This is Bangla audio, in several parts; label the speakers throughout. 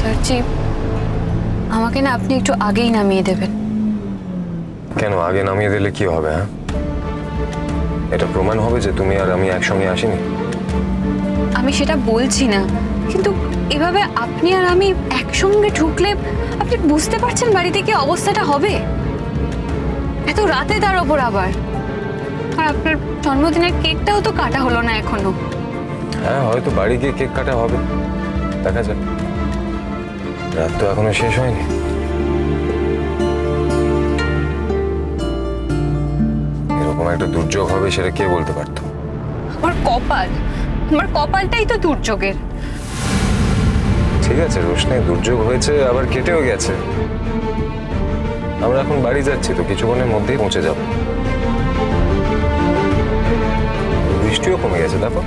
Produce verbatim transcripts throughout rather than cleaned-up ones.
Speaker 1: স্যারজি, আমাকে না আপনি একটু আগেই নামিয়ে দেবেন।
Speaker 2: কেন আগে নামিয়ে দিলে কি হবে? হ্যাঁ, এটা প্রমাণ হবে যে তুমি আর আমি একসঙ্গে আসিনি।
Speaker 1: আমি সেটা বলছি না, কিন্তু এভাবে আপনি আর আমি একসঙ্গে ঢুকলে আপনি বুঝতে পারছেন বাড়িতে কি অবস্থাটা হবে? এত রাতে তার ওপর আবার। আর আপনার জন্মদিনের কেকটাও তো কাটা হলো না এখনো।
Speaker 2: হ্যাঁ, হয়তো বাড়ি গিয়ে কেক কাটা হবে, দেখা যাক। রাত তো এখনো শেষ হয়নি। এরকম একটা দুর্যোগ হবে সেটা কে বলতে পারতো?
Speaker 1: আমার কপাল, আমার কপালটাই তো দুর্যোগের।
Speaker 2: ঠিক আছে রোশনি, দুর্যোগ হয়েছে আবার কেটেও গেছে। আমরা এখন বাড়ি যাচ্ছি তো, কিছুক্ষণের মধ্যেই পৌঁছে যাব। বৃষ্টিও কমে গেছে, দেখো।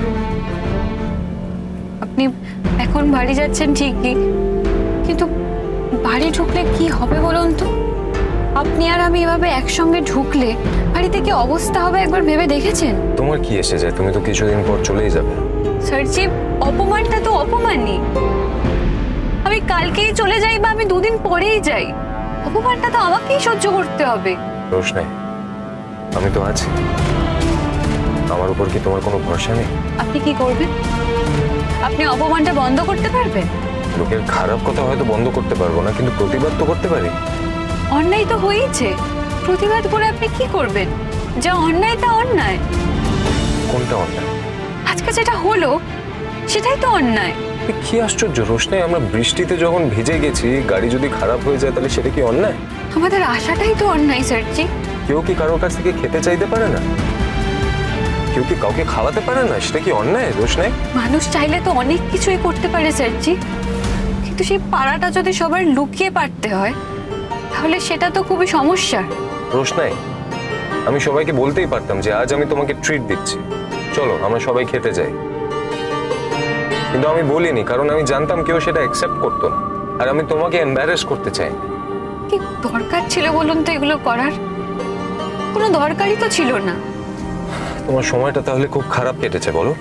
Speaker 1: আপনি এখন বাড়ি যাচ্ছেন ঠিকই, কিন্তু বাড়ি ঢুকলে কি হবে বলুন তো? আপনি আর আমি এভাবে একসঙ্গে ঢুকলে বাড়িতে কি অবস্থা হবে একবার ভেবে দেখেছেন?
Speaker 2: তোমার কি এসে যায়? তুমি তো কিছুদিন পর চলেই যাবে।
Speaker 1: স্যারজি, অপমানটা তো অপমানই। আমি কালকেই চলে যাই বা আমি দুদিন পরেই যাই, অপমানটা তো আমাকেই সহ্য করতে হবে।
Speaker 2: রোশনি, আমি তো আছি। আমার উপর কি তোমার কোনো ভরসা নেই?
Speaker 1: আপনি কি করবেন? আপনি অপমানটা বন্ধ করতে পারবেন?
Speaker 2: লোকের খারাপ কথা হয়তো বন্ধ করতে পারবো না, কিন্তু প্রতিবাদ তো করতে পারি।
Speaker 1: অন্যায় তো হয়েছে, প্রতিবাদ করে আপনি কি করবেন? যা অন্যায় তা অন্যায়।
Speaker 2: কোনটা অন্যায়?
Speaker 1: আজকে যেটা হলো সেটাই তো অন্যায়।
Speaker 2: এ কি আশ্চর্য রোশনি, আমরা বৃষ্টিতে যখন ভিজে গেছি, গাড়ি যদি খারাপ হয়ে যায় তাহলে সেটা কি অন্যায়?
Speaker 1: আমাদের আশাটাই তো অন্যায় স্যারজি।
Speaker 2: কেউ কি কারোর কাছ থেকে খেতে চাইতে পারে না? কেউ কি কাউকে খাওয়াতে পারে না? সেটা কি অন্যায় রোশনি?
Speaker 1: মানুষ চাইলে তো অনেক কিছুই করতে পারে স্যারজি, কিন্তু সেই পাড়াটা যদি সবার লুকিয়ে পারতে হয় তাহলে সেটা তো খুবই সমস্যা।
Speaker 2: রোশনি, আমি সবাইকে বলতেই পারতাম যে আজ আমি তোমাকে ট্রিট দিচ্ছি, চলো আমরা সবাই খেতে যাই। কিন্তু আমি বলিনি, কারণ আমি জানতাম কেউ সেটা অ্যাকসেপ্ট করতো না, আর আমি তোমাকে এম্বারেস করতে চাই।
Speaker 1: কি দরকার ছিল বলুন তো এগুলো করার? কোনো দরকারই তো ছিল না।
Speaker 2: তোমার সময়টা তাহলে খুব খারাপ কেটেছে বলো?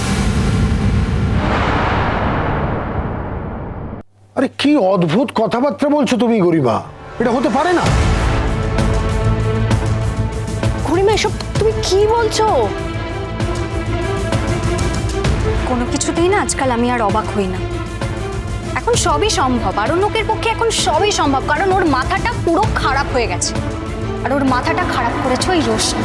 Speaker 3: আরে কি অদ্ভুত কথাবার্তা বলছো তুমি গরিমা, এটা হতে পারে না।
Speaker 4: গরিমা, এসব তুমি কি বলছো? কোনো কিছুতেই না আজকাল আমি আর অবাক হই না। এখন সবই সম্ভব, আর লোকের পক্ষে এখন সবই সম্ভব, কারণ ওর মাথাটা পুরো খারাপ হয়ে গেছে। আর ওর মাথাটা খারাপ করেছে ওই রোশনি।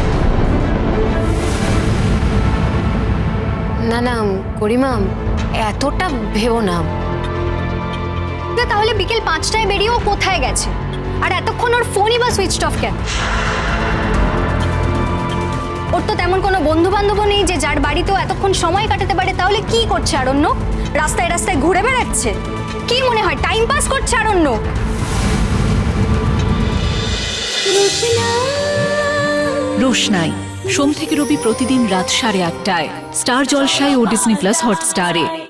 Speaker 5: না না গরিমা, এতটা ভেবো না।
Speaker 4: না, তাহলে বিকেল পাঁচটায় বেরিয়ে ও কোথায় গেছে? আর এতক্ষণ ওর ফোনই বা সুইচ অফ কেন? ওর তো তেমন কোনো বন্ধু বান্ধবও নেই যে যার বাড়িতেও এতক্ষণ সময় কাটাতে পারে। তাহলে কি করছে আরণ্য? রাস্তায় রাস্তায় ঘুরে বেড়াচ্ছে? কি মনে হয় টাইম পাস করছে আরণ্য?
Speaker 6: রোশনাই সোম থেকে রবি প্রতিদিন রাত সাড়ে আটটায় স্টার জলসায় ও ডিজনি প্লাস হটস্টারে।